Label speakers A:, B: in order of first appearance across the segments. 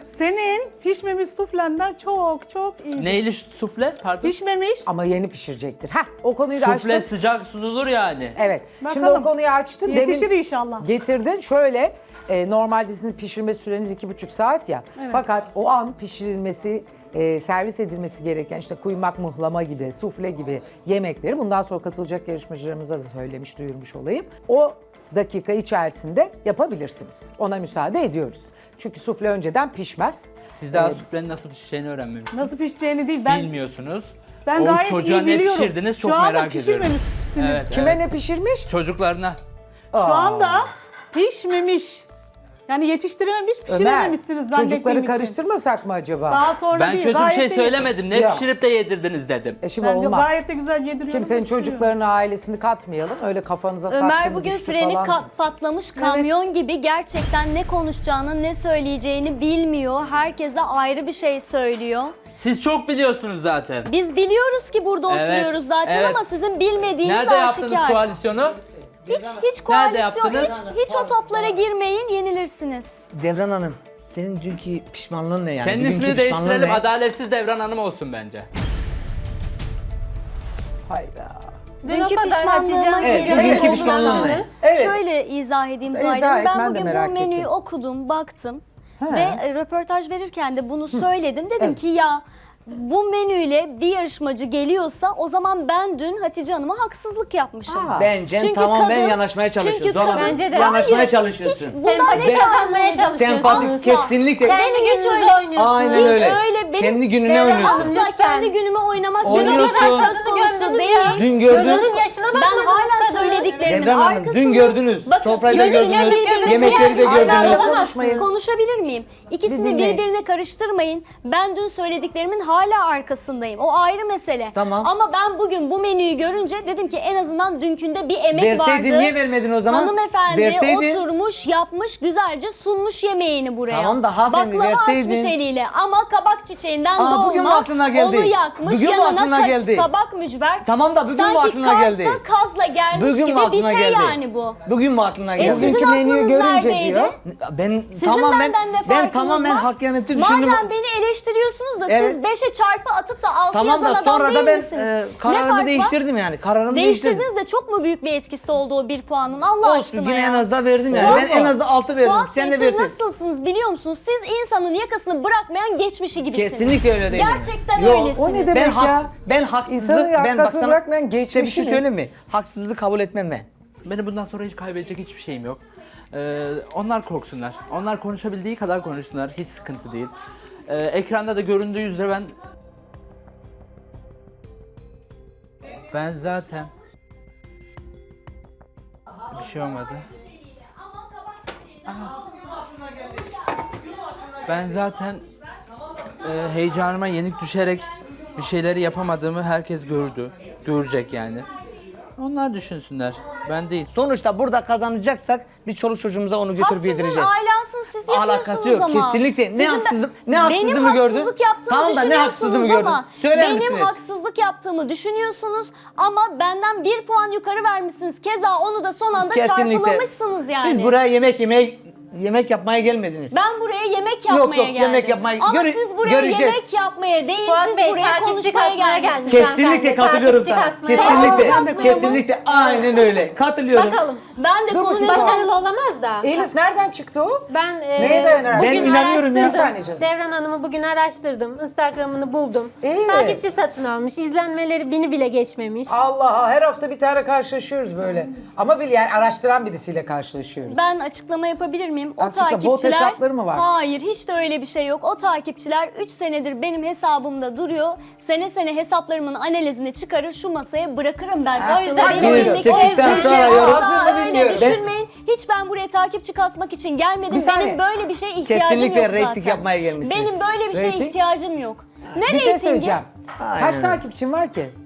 A: Senin pişmemiş suflenden çok çok iyi.
B: Neyli sufle? Pardon.
A: Pişmemiş.
C: Ama yeni pişirecektir. Heh, o konuyu da
B: Sufle
C: açtın.
B: sıcak sunulur yani.
C: Evet.
A: Bakalım.
C: Şimdi o konuyu açtın.
A: Yetişir inşallah.
C: Getirdin. Şöyle, normalde sizin pişirme süreniz 2,5 saat ya.
A: Evet.
C: Fakat o an pişirilmesi, servis edilmesi gereken işte kuymak, muhlama gibi, sufle gibi yemekleri bundan sonra katılacak yarışmacılarımıza da söylemiş, duyurmuş olayım. O dakika içerisinde yapabilirsiniz. Ona müsaade ediyoruz. Çünkü sufle önceden pişmez.
B: Siz daha suflenin nasıl pişeceğini öğrenmemişsiniz.
A: Nasıl pişeceğini değil. Ben
B: Bilmiyorsunuz.
A: ben
B: O
A: gayet
B: çocuğa
A: iyi
B: ne
A: biliyorum.
B: pişirdiniz çok
A: Şu anda
B: merak ediyorum.
A: pişirmemişsiniz.
B: Evet,
C: Kime
B: evet.
C: ne pişirmiş?
B: Çocuklarına.
A: Şu anda pişmemiş. Yani yetiştirememiş,
C: Ömer,
A: pişirememişsiniz zannettiğim
C: çocukları
A: için.
C: karıştırmasak mı acaba?
A: Daha sonra
B: Ben
A: değil.
B: kötü bir
A: gayet
B: şey
A: de-
B: söylemedim. Ne
C: Ya.
B: pişirip de yedirdiniz dedim.
C: Şimdi
A: Bence
C: olmaz.
A: gayet de güzel yediriyorum.
C: Kimsenin
A: pişiriyorum.
C: çocuklarını, ailesini katmayalım. Öyle kafanıza saksı
D: Ömer
C: mı
D: bugün
C: düştü
D: freni
C: falan.
D: patlamış kamyon gibi gerçekten ne konuşacağını ne söyleyeceğini bilmiyor. Herkese ayrı bir şey söylüyor.
B: Siz çok biliyorsunuz zaten.
D: Biz biliyoruz ki burada
B: Evet,
D: oturuyoruz zaten
B: evet.
D: ama sizin bilmediğiniz
B: Nerede yaptınız
D: aşikar.
B: koalisyonu?
D: Hiç koalisyon,
B: yaptınız?
D: hiç o toplara girmeyin, yenilirsiniz.
E: Devran Hanım, senin dünkü pişmanlığın ne yani?
B: Senin
E: Bugünkü
B: ismini
E: pişmanlığın
B: değiştirelim.
E: ne?
B: Adaletsiz Devran Hanım olsun bence.
C: Hayda.
F: Dün o
D: Dünkü
F: kadar
D: pişmanlığıma
F: Hatice
E: Evet,
F: Hanım'ın
E: bugünkü
F: olduğunu
E: pişmanlığın ne?
F: sandınız.
C: Evet.
D: Şöyle izah edeyim
C: İzah
D: Zahide Hanım.
C: et,
D: Ben
C: ben de
D: bugün
C: merak
D: bu menüyü
C: ettim.
D: okudum, baktım
C: He.
D: ve röportaj verirken de bunu söyledim. Dedim ki ya bu menüyle bir yarışmacı geliyorsa o zaman ben dün Hatice Hanım'a haksızlık yapmışım.
C: Aa.
E: Bence
D: Çünkü
E: tamamen
D: kadın-
E: yanaşmaya çalışıyorsun.
D: çünkü
E: Sonra
D: kadın-
F: Bence de.
E: yanaşmaya
D: Hayır,
E: çalışıyorsun.
D: Bundan
F: Sempati
D: ne
F: kazanmaya çalışıyorsunuz.
E: Sempatik
D: Asla.
E: kesinlikle.
F: Kendi
D: hiç
F: gününüzde
D: öyle-
F: oynuyorsunuz.
E: Aynen
D: Hiç
E: öyle.
D: öyle benim-
E: Kendi gününe
F: Devran
E: oynuyorsun.
F: Hanım,
D: Asla
F: lütfen.
D: kendi günümü oynamak
E: Oynuyorsun.
D: dün o kadar söz
F: Kadını
D: konusu
F: gördünüz
D: değil.
F: ya.
E: Dün gördün.
F: Gözünün yaşına
D: Ben
F: bakmadınız
D: hala
F: kadının.
D: söylediklerimin
E: Devran Hanım,
D: arkasında...
E: dün gördünüz.
D: Bakın,
E: Sofrayı da
D: gözüne
E: gördünüz.
D: birbirine
E: Yemekleri de
D: diğer-
E: gördünüz.
C: Konuşmayın.
D: Konuşabilir miyim?
C: Bir
D: İkisini
C: dinleyin.
D: birbirine karıştırmayın. Ben dün söylediklerimin hala arkasındayım. O ayrı mesele.
E: Tamam.
D: Ama ben bugün bu menüyü görünce dedim ki en azından dünkünde bir emek
E: Verseydin,
D: vardı.
E: niye vermedin o zaman?
D: Hanımefendi
E: Verseydin.
D: oturmuş, yapmış, güzelce sunmuş yemeğini buraya.
E: Tamam da hanımefendi
D: Baklava
E: verseydin.
D: açmış eliyle ama kabak çiçeğinden
E: Aa,
D: dolma.
E: bugün mü aklına geldi?
D: Onu yakmış,
E: Bugün mü
D: yanına
E: aklına geldi?
D: kabak mücver.
E: Tamam da bugün mü
D: Sanki
E: aklına geldi?
D: kazla kazla gelmiş
E: Bugün
D: gibi
E: mü
D: bir
E: aklına
D: şey
E: geldi?
D: yani bu.
E: Bugün mü aklına geldi?
D: sizin
C: Bugünkü menüyü
D: aklınız
C: görünce
D: neredeydi?
C: diyor.
E: Ben
D: Sizin
E: tamamen
D: benden ne
E: ben
D: farkınız
E: tamamen
D: var?
E: hakkaniyetli düşündüm.
D: Madem beni eleştiriyorsunuz da
E: Evet.
D: siz 5'e çarpı atıp da 6
E: Tamam
D: yazan
E: da
D: adam
E: sonra
D: değil
E: da ben
D: misiniz? Ne fark
E: kararımı
D: var?
E: değiştirdim yani. Kararımı değiştirdim.
D: Değiştirdiniz de çok mu büyük bir etkisi oldu o bir puanın Allah
E: Olsun
D: aşkına
E: yine
D: ya.
E: en az da verdim yani.
D: Fuat
E: Ben en az da 6 verdim.
D: Fuat
E: Sen
D: Bey,
E: de
D: siz
E: versin.
D: nasılsınız biliyor musunuz? Siz insanın yakasını bırakmayan geçmişi gibisiniz.
E: Kesinlikle öyle değil.
D: Gerçekten
E: Yok,
D: öylesiniz.
C: O ne demek ya?
E: Ben haksızlık
C: İnsanın
E: ben bak
C: yakasını
E: sana
C: bırakmayan
E: size bir
C: geçmişi
E: şey
C: mi?
E: söyleyeyim mi? Haksızlığı kabul etmem ben.
B: Benim bundan sonra hiç kaybedecek hiçbir şeyim yok. Onlar korksunlar. Onlar konuşabildiği kadar konuşsunlar. Hiç sıkıntı değil. Ekranda da göründüğü üzere ben zaten bir şey olmadı. Ben zaten heyecanıma yenik düşerek bir şeyleri yapamadığımı herkes görecek yani. Onlar düşünsünler. Ben değil.
E: Sonuçta burada kazanacaksak biz çoluk çocuğumuza onu götürüp
D: Haksızlığın
E: yedireceğiz.
D: alasını siz yapıyorsunuz
E: Alakası yok,
D: ama.
E: kesinlikle. Ne
D: Sizin
E: haksızlık- ne
D: benim
E: haksızlığımı gördün?
D: haksızlık yaptığımı
E: Tamam da ne haksızlığımı gördün?
D: ama
E: Söyler
D: benim
E: misiniz?
D: haksızlık yaptığımı düşünüyorsunuz ama benden bir puan yukarı vermişsiniz. Keza onu da son anda çarpılamışsınız yani.
E: Siz buraya yemek yapmaya gelmediniz.
D: Ben buraya yemek yapmaya
E: Yok,
D: geldim.
E: yemek yapmaya-
D: Ama siz buraya
E: göreceğiz.
D: yemek yapmaya değil,
F: Fuat
D: siz
F: Bey
D: buraya
F: takipçi
D: konuşmaya
F: kasmaya
D: geldiniz.
F: gelmiş.
E: Kesinlikle katılıyorum sana.
F: Takipçi kasmaya
E: Kesinlikle,
D: gelmiş.
E: kesinlikle aynen öyle. Katılıyorum.
F: Bakalım.
D: Ben de
C: Dur bakayım,
D: konuyu...
F: Başarılı olamaz da.
C: Elif nereden çıktı o?
F: Ben
C: Neye dayanarak?
F: bugün
E: Ben inanıyorum ya.
C: Bir saniye
F: araştırdım.
C: canım.
F: Devran Hanım'ı bugün araştırdım. Instagram'ını buldum.
C: İyi.
F: Takipçi satın almış. İzlenmeleri 1000'i bile geçmemiş.
C: Allah, her hafta bir tane karşılaşıyoruz böyle. Ama bir yani araştıran birisiyle karşılaşıyoruz.
D: Ben açıklama yapabilir miyim? O
C: Açıkla, bot
D: takipçiler...
C: hesapları mı var?
D: Hayır, hiç de öyle bir şey yok. O takipçiler 3 senedir benim hesabımda duruyor. Sene sene hesaplarımın analizini çıkarır, şu masaya bırakırım ben.
F: O yüzden
D: Benim
F: buyurun.
D: elimdeki
E: Çektikten
D: o
E: sonra yorum.
D: asla
C: Hazır mı
D: öyle
C: bilmiyorum.
D: düşünmeyin. Hiç ben buraya takipçi kasmak için gelmedim.
C: Bir saniye.
D: Benim böyle bir şeye ihtiyacım
E: Kesinlikle
D: yok zaten.
E: reyting yapmaya gelmişsiniz.
D: Benim böyle bir şeye
C: Reyting?
D: ihtiyacım yok. Ne
C: Bir şey
D: reytingi?
C: söyleyeceğim.
E: Aynen
C: Kaç
E: öyle.
C: takipçin var ki?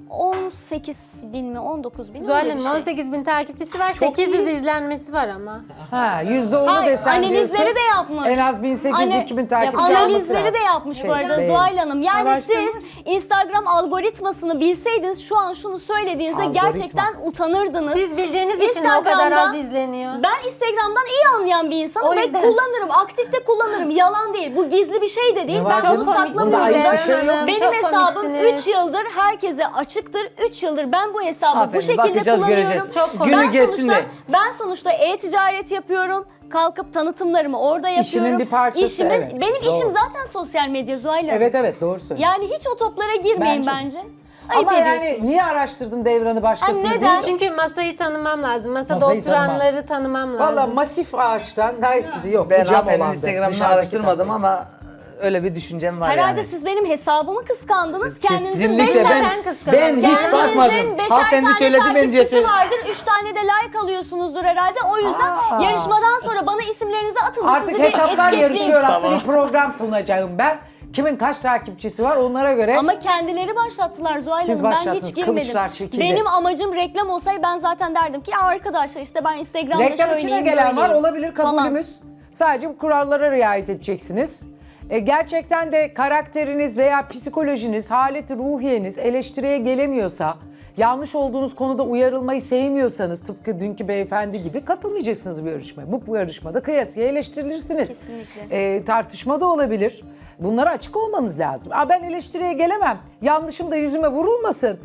D: 18 bin mi 19 bin mi?
F: Zuhal
D: öyle bir
F: Hanım
D: şey.
F: 18 bin takipçisi var.
C: Çok
F: 800
C: iyi.
F: izlenmesi var ama.
C: Ha, %10'u
D: Hayır,
C: desen
D: analizleri
C: diyorsun.
D: de yapmış.
C: En az 1800-2000 takipçi
D: Analizleri de yapmış bu arada
C: Beğen.
D: Zuhal Hanım. Yani
A: Araştırmış.
D: siz Instagram algoritmasını bilseydiniz şu an şunu söylediğinizde
C: Algoritma.
D: gerçekten utanırdınız.
F: Siz bildiğiniz için o kadar
D: Instagram'da-
F: az izleniyor.
D: Ben Instagram'dan iyi anlayan bir insanım
F: O
D: ve
F: yüzden.
D: kullanırım, aktifte kullanırım. Yalan değil. Bu gizli bir şey de değil.
C: Ne var
D: Ben
C: canım?
D: bunu
C: Bunda
D: saklamıyorum.
C: ayıp bir şey yok.
D: Benim
F: Çok
D: hesabım
F: komiksiniz.
D: 3 yıldır herkese açıktır. 3 yıldır ben bu hesabı
E: Aferin,
D: bu şekilde
E: bakacağız,
D: kullanıyorum.
E: göreceğiz.
F: Çok komik.
E: Günü
D: Ben
E: geçsin
D: sonuçta,
E: de.
D: ben sonuçta e-ticaret yapıyorum. Kalkıp tanıtımlarımı orada yapıyorum.
C: İşinin bir parçası, evet.
D: Benim
C: Doğru.
D: işim zaten sosyal medya Zuhal Hanım.
C: Evet doğru söylüyorsun.
D: Yani hiç o toplara girmeyin
C: Bence.
D: bence. Ayıp
C: Ama yani
D: ediyorsunuz.
C: niye araştırdın Devran'ı başkasını
D: neden?
C: değil?
F: Çünkü masayı tanımam lazım. Masada
C: Masayı
F: oturanları tanımam lazım.
C: Valla masif ağaçtan gayet güzel. Yok
E: Ben
C: bu cam
E: hanımefendinin
C: olandı.
E: Instagram'ını
C: Dışarıdaki
E: araştırmadım
C: tabii.
E: ama öyle bir düşüncem var
D: Herhalde
E: yani.
D: siz benim hesabımı kıskandınız. Kendinizin
E: Kesinlikle
D: 5
F: ben-
D: tane
E: ben
F: kıskanıyorum.
E: hiç
F: Kendinizin
E: bakmadım.
D: beşer
E: Hanımefendi
D: tane
E: söyledi ben diye
D: takipçisi
E: söyledim.
D: vardır. 3 tane de like alıyorsunuzdur herhalde. O yüzden
C: Aa.
D: yarışmadan sonra bana isimlerinizi atın da
C: Artık
D: sizi bir
C: hesaplar
D: etiketleyin.
C: yarışıyor adlı bir program sunacağım ben. Kimin kaç takipçisi var onlara göre.
D: Ama kendileri başlattılar Zuhal
C: Siz
D: Hanım. Ben
C: başlattınız,
D: hiç girmedim.
C: kılıçlar çekildi.
D: Benim amacım reklam olsaydı ben zaten derdim ki ya arkadaşlar işte ben Instagram'da
C: Reklam içine
D: şöyleyim,
C: gelen var
D: böyleyim
C: olabilir
D: falan.
C: kabulümüz. Sadece bu kurallara riayet edeceksiniz. Gerçekten de karakteriniz veya psikolojiniz, haleti ruhiyeniz eleştiriye gelemiyorsa, yanlış olduğunuz konuda uyarılmayı sevmiyorsanız tıpkı dünkü beyefendi gibi katılmayacaksınız bu yarışmaya. Bu yarışmada kıyasıya eleştirilirsiniz.
D: Kesinlikle.
C: Tartışma da olabilir. Bunlara açık olmanız lazım. Ben eleştiriye gelemem. Yanlışım da yüzüme vurulmasın.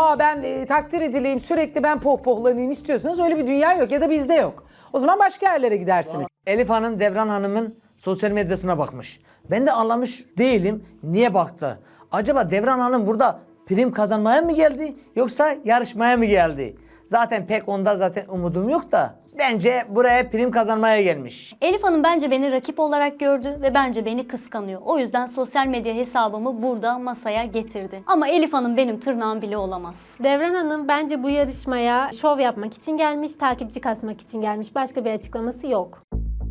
C: Ben takdir edileyim, sürekli ben pohpohlanayım istiyorsanız öyle bir dünya yok ya da bizde yok. O zaman başka yerlere gidersiniz.
E: Elif Hanım Devran Hanım'ın sosyal medyasına bakmış. Ben de anlamış değilim niye baktı. Acaba Devran Hanım burada prim kazanmaya mı geldi yoksa yarışmaya mı geldi? Zaten pek onda zaten umudum yok da bence buraya prim kazanmaya gelmiş.
D: Elif Hanım bence beni rakip olarak gördü ve bence beni kıskanıyor. O yüzden sosyal medya hesabımı burada masaya getirdi. Ama Elif Hanım benim tırnağım bile olamaz.
F: Devran Hanım bence bu yarışmaya şov yapmak için gelmiş, takipçi kasmak için gelmiş. Başka bir açıklaması yok.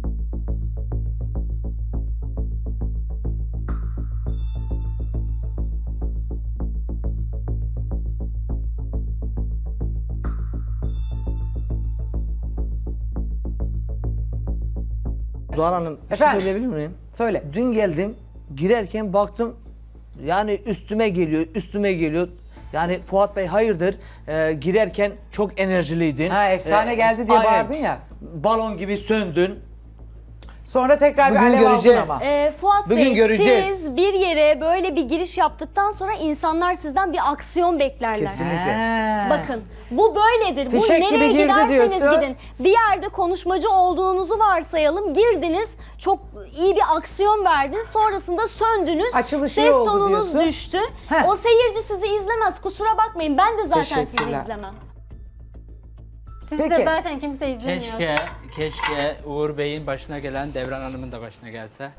E: Zuhal Hanım bir şey
C: Efendim?
E: söyleyebilir miyim?
C: Söyle.
E: Dün geldim girerken baktım yani üstüme geliyor. Yani Fuat Bey hayırdır girerken çok enerjiliydin.
C: Efsane geldi diye
E: aynen.
C: bağırdın ya.
E: Balon gibi söndün.
C: Sonra tekrar
E: Bugün
C: bir alev
E: göreceğiz.
C: aldın ama.
D: Fuat
E: Bugün
D: Bey
E: göreceğiz.
D: siz bir yere böyle bir giriş yaptıktan sonra insanlar sizden bir aksiyon beklerler.
E: Kesinlikle.
D: Bakın bu böyledir.
C: Fişek
D: bu
C: gibi
D: nereye
C: girdi
D: giderseniz
C: diyorsun.
D: gidin. Bir yerde konuşmacı olduğunuzu varsayalım. Girdiniz, çok iyi bir aksiyon verdiniz. Sonrasında söndünüz.
C: Açılışı
D: ses
C: iyi oldu
D: tonunuz
C: diyorsun.
D: düştü.
C: Heh.
D: O seyirci sizi izlemez. Kusura bakmayın. Ben de zaten sizi
C: Teşekkürler.
D: izlemem.
F: Sizi
C: Peki.
F: de zaten kimse izlemiyor.
B: Keşke Uğur Bey'in başına gelen Devran Hanım'ın da başına gelse.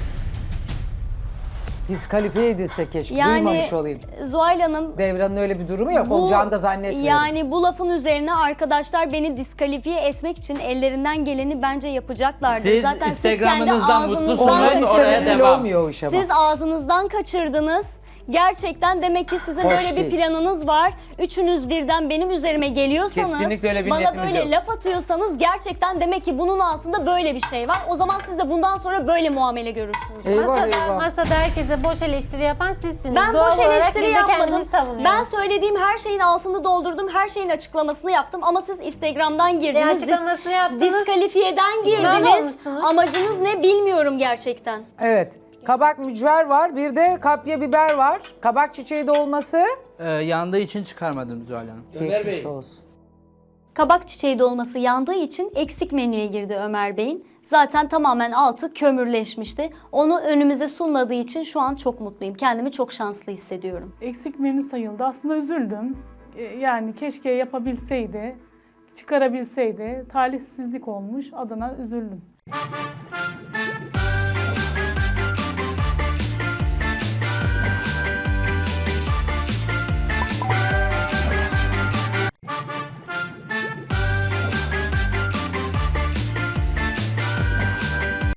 C: Diskalifiye edilse keşke.
D: Yani
C: Duymamış olayım.
D: Zuhal Hanım
C: Devran'ın öyle bir durumu yok. Olacağını da zannetmiyorum.
D: Yani bu lafın üzerine arkadaşlar beni diskalifiye etmek için ellerinden geleni bence yapacaklardır.
B: Siz
D: Zaten
B: Instagram'ınızdan
D: siz kendi
B: mutlusunuz.
C: Onların
B: Oraya
C: istemesiyle
B: devam.
C: olmuyor o iş ama.
D: Siz ağzınızdan kaçırdınız. Gerçekten demek ki sizin
C: Hoş
D: öyle bir
C: değil.
D: planınız var. Üçünüz birden benim üzerime geliyorsanız,
E: Kesinlikle öyle bir
D: bana
E: niyetimiz
D: böyle
E: yok.
D: laf atıyorsanız gerçekten demek ki bunun altında böyle bir şey var. O zaman siz de bundan sonra böyle muamele görürsünüz.
F: Masada herkese boş eleştiri yapan sizsiniz.
D: Ben
F: Doğal
D: boş
F: olarak
D: eleştiri
F: biz de
D: yapmadım.
F: kendimizi savunuyoruz.
D: Ben söylediğim her şeyin altını doldurdum. Her şeyin açıklamasını yaptım. Ama siz Instagram'dan girdiniz.
F: açıklamasını yaptınız.
D: Diskalifiyeden
F: Pişman
D: girdiniz.
F: olmuşsunuz.
D: Amacınız ne bilmiyorum gerçekten.
C: Evet. Kabak mücver var. Bir de kapya biber var. Kabak çiçeği dolması.
B: Yandığı için çıkarmadım Zuhal Hanım.
C: Geçmiş olsun.
D: Kabak çiçeği dolması yandığı için eksik menüye girdi Ömer Bey'in. Zaten tamamen altı kömürleşmişti. Onu önümüze sunmadığı için şu an çok mutluyum. Kendimi çok şanslı hissediyorum.
A: Eksik menü sayıldı. Aslında üzüldüm. Yani keşke yapabilseydi, çıkarabilseydi. Talihsizlik olmuş. Adına üzüldüm.